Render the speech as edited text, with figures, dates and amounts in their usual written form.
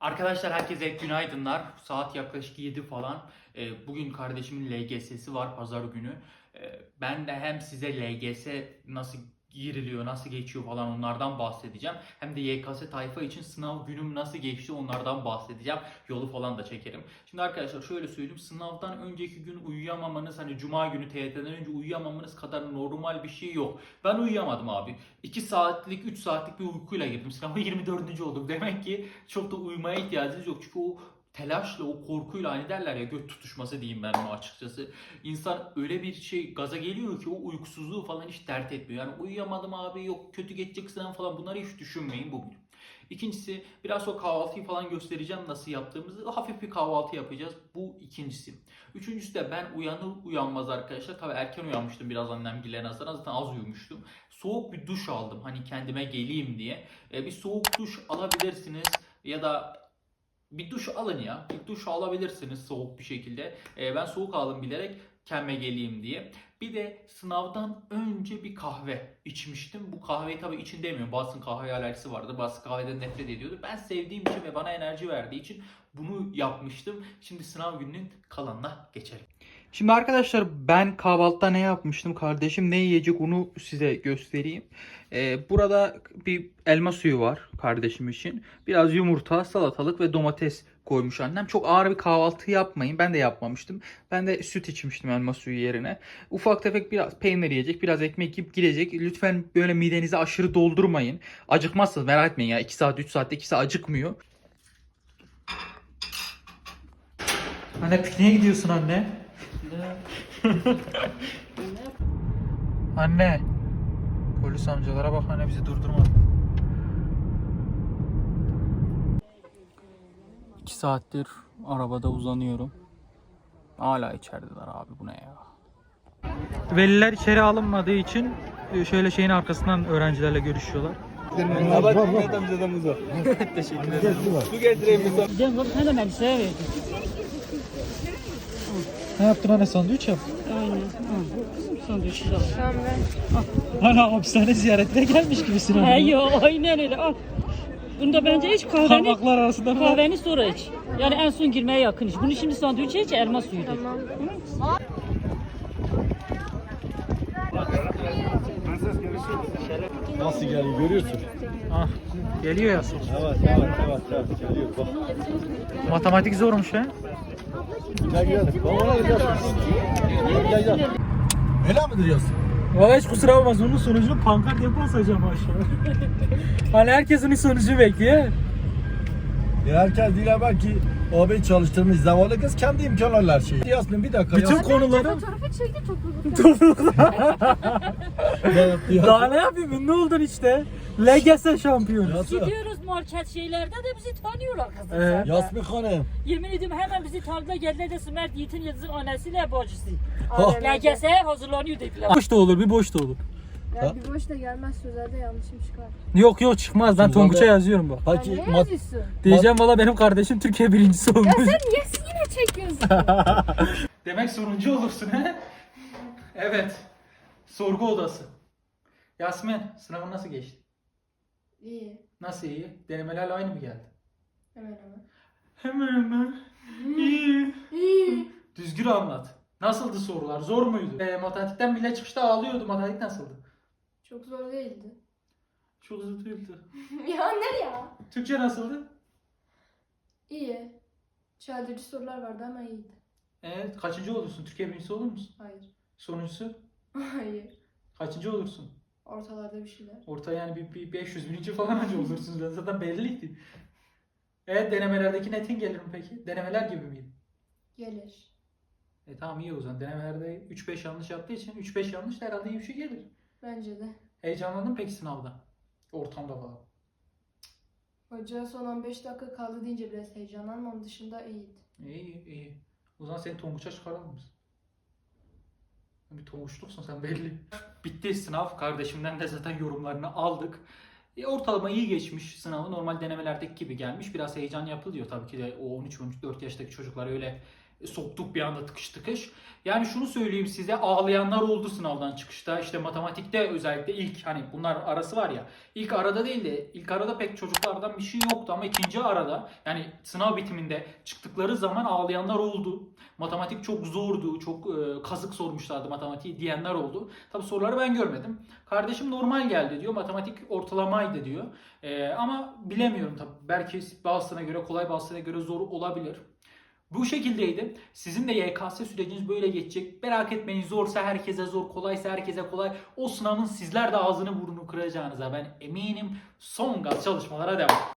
Arkadaşlar herkese günaydınlar. Saat yaklaşık 7 falan. Bugün kardeşimin LGS'si var pazar günü. Ben de hem size LGS nasıl giriliyor, nasıl geçiyor falan onlardan bahsedeceğim. Hem de YKS tayfa için sınav günüm nasıl geçti onlardan bahsedeceğim. Yolu falan da çekerim. Şimdi arkadaşlar şöyle söyleyeyim. Sınavdan önceki gün uyuyamamanız, hani cuma günü TYT'den önce uyuyamamanız kadar normal bir şey yok. Ben uyuyamadım abi. 2 saatlik, 3 saatlik bir uykuyla girdim. Sınava 24. oldum. Demek ki çok da uyumaya ihtiyacınız yok. Çünkü o telaşla, o korkuyla hani derler ya göt tutuşması diyeyim ben o açıkçası. İnsan öyle bir şey gaza geliyor ki o uykusuzluğu falan hiç dert etmiyor. Yani uyuyamadım abi, yok kötü geçecek sınav falan, bunları hiç düşünmeyin bugün. İkincisi, biraz sonra kahvaltıyı falan göstereceğim nasıl yaptığımızı. Hafif bir kahvaltı yapacağız. Bu ikincisi. Üçüncüsü de ben uyanır uyanmaz arkadaşlar. Tabii erken uyanmıştım biraz annemgillerine nazaran. Zaten az uyumuştum. Soğuk bir duş aldım hani kendime geleyim diye. Bir soğuk duş alabilirsiniz ya da bir duş alın ya. Bir duş alabilirsiniz soğuk bir şekilde. Ben soğuk aldım bilerek kendime geleyim diye. Bir de sınavdan önce bir kahve içmiştim. Bu kahveyi tabii için demiyorum. Bazısının kahve alerjisi vardı. Bazısı kahveden nefret ediyordu. Ben sevdiğim için ve bana enerji verdiği için bunu yapmıştım. Şimdi sınav gününün kalanına geçelim. Şimdi arkadaşlar ben kahvaltıda ne yapmıştım? Kardeşim ne yiyecek onu size göstereyim. Burada bir elma suyu var kardeşim için. Biraz yumurta, salatalık ve domates koymuş annem. Çok ağır bir kahvaltı yapmayın. Ben de yapmamıştım. Ben de süt içmiştim elma suyu yerine. Ufak tefek biraz peynir yiyecek, biraz ekmek yiyip gidecek. Lütfen böyle midenizi aşırı doldurmayın. Acıkmazsınız, merak etmeyin ya. 2 saat 3 saatte ikisi acıkmıyor. Anne pikniğe gidiyorsun anne. Anne. Polis amcalara bak, anne bizi durdurmadı. 2 saattir arabada uzanıyorum. Hala içerideler abi, bu ne ya? Veliler içeri alınmadığı için şöyle şeyin arkasından öğrencilerle görüşüyorlar. Teşekkür ederim. Su getireyim mi? Cem bak sen de Melisa'ya verdin. Ne yaptın anne, sandviç yaptın? Aynen. Sandviçi de al. Ana hapishane ziyaretine gelmiş gibisin He yo aynen öyle al. Bunda bence iç kahveni, Parmaklar arasında mı? kahveni sonra iç. Yani en son girmeye yakın iç. Bunu şimdi sandviçe iç, elma suyu de. Tamam. Nasıl geliyor görüyorsun? Ah, geliyor ya. Evet, geliyor. Bak. Matematik zormuş ha. Gel. Babana gel. Öyle mi duruyorsun? Valla hiç kusura bakmaz, onun sonucunu pankart yapı asacağım aşağı. Hani herkes onun sonucunu bekliyor. Herkes değil belki abi çalıştığımız zavallı kız kendi imkanlarla her şeyi. Yasmin bir dakika. Bütün konuları Fotoğrafı çekti toplulukta. daha ne yapayım, ünlü oldun işte. LGS şampiyonu. Gidiyoruz market şeylerde de bizi tanıyorlar kızım. Evet. Yasmin Hanım. Yemin ediyorum hemen bizi tanıdılar, geldiler de Sümer Yiğit'in Yıldız'ın annesiyle bacısı. Oh. LGS'ye hazırlanıyor dediler. Boş da olur, bir boş da olur. Ya bir boş da gelmez, sözlerde yanlışım çıkar. Yok çıkmaz, ben Tonguç'a yazıyorum bak. Ya Peki ne yazıyorsun? Diyeceğim valla benim kardeşim Türkiye birincisi olmuş. Ya sen niye yine çekiyorsun? Demek sonuncu olursun he? Evet. Sorgu odası. Yasmin, sınavın nasıl geçti? İyi. Nasıl iyi? Denemelerle aynı mı geldi? Hemen hemen. Hemen. İyi. İyi. Düzgün anlat. Nasıldı sorular? Zor muydu? Matematikten bile çıkışta ağlıyordu. Matematik nasıldı? Çok zor değildi. Çok zor değildi. Ya ne ya? Türkçe nasıldı? İyi. Çeldirici sorular vardı ama iyiydi. Evet. Kaçıncı olursun? Türkiye birincisi olur musun? Hayır. Sonuncusu? Hayır. Kaçıncı olursun? Ortalarda bir şeyler. Orta yani bir 500 bininci falan önce olursunuz. Zaten belliydi. Evet, denemelerdeki netin gelir mi peki? Denemeler gibi miydi? Gelir. Tamam, iyi o zaman. Denemelerde 3-5 yanlış yaptığı için 3-5 yanlış da herhalde iyi bir şey gelir. Bence de. Heyecanlandın mı peki sınavda? Ortamda falan. Hoca son 15 dakika kaldı deyince biraz heyecanlanmam, dışında iyiydi. İyi. O zaman seni Tonguç'a çıkaralım biz. Bir Tonguçluksun sen belli. Bitti sınav. Kardeşimden de zaten yorumlarını aldık. Ortalama iyi geçmiş sınavı. Normal denemelerdeki gibi gelmiş. Biraz heyecan yapılıyor tabii ki de, o 13-14 yaştaki çocuklar öyle soktuk bir anda tıkış tıkış. Yani şunu söyleyeyim size, ağlayanlar oldu sınavdan çıkışta. İşte matematikte özellikle ilk, hani bunlar arası var ya. İlk arada değil de ilk arada pek çocuklardan bir şey yoktu ama ikinci arada, yani sınav bitiminde çıktıkları zaman ağlayanlar oldu. Matematik çok zordu, çok kazık sormuşlardı matematiği diyenler oldu. Tabi soruları ben görmedim. Kardeşim normal geldi diyor, matematik ortalamaydı diyor. Ama bilemiyorum tabi, belki bazısına göre kolay, bazısına göre zor olabilir. Bu şekildeydi. Sizin de YKS süreciniz böyle geçecek. Merak etmeyin, zorsa herkese zor, kolaysa herkese kolay. O sınavın sizler de ağzını burnunu kıracağınıza ben eminim. Son gaz çalışmalara devam.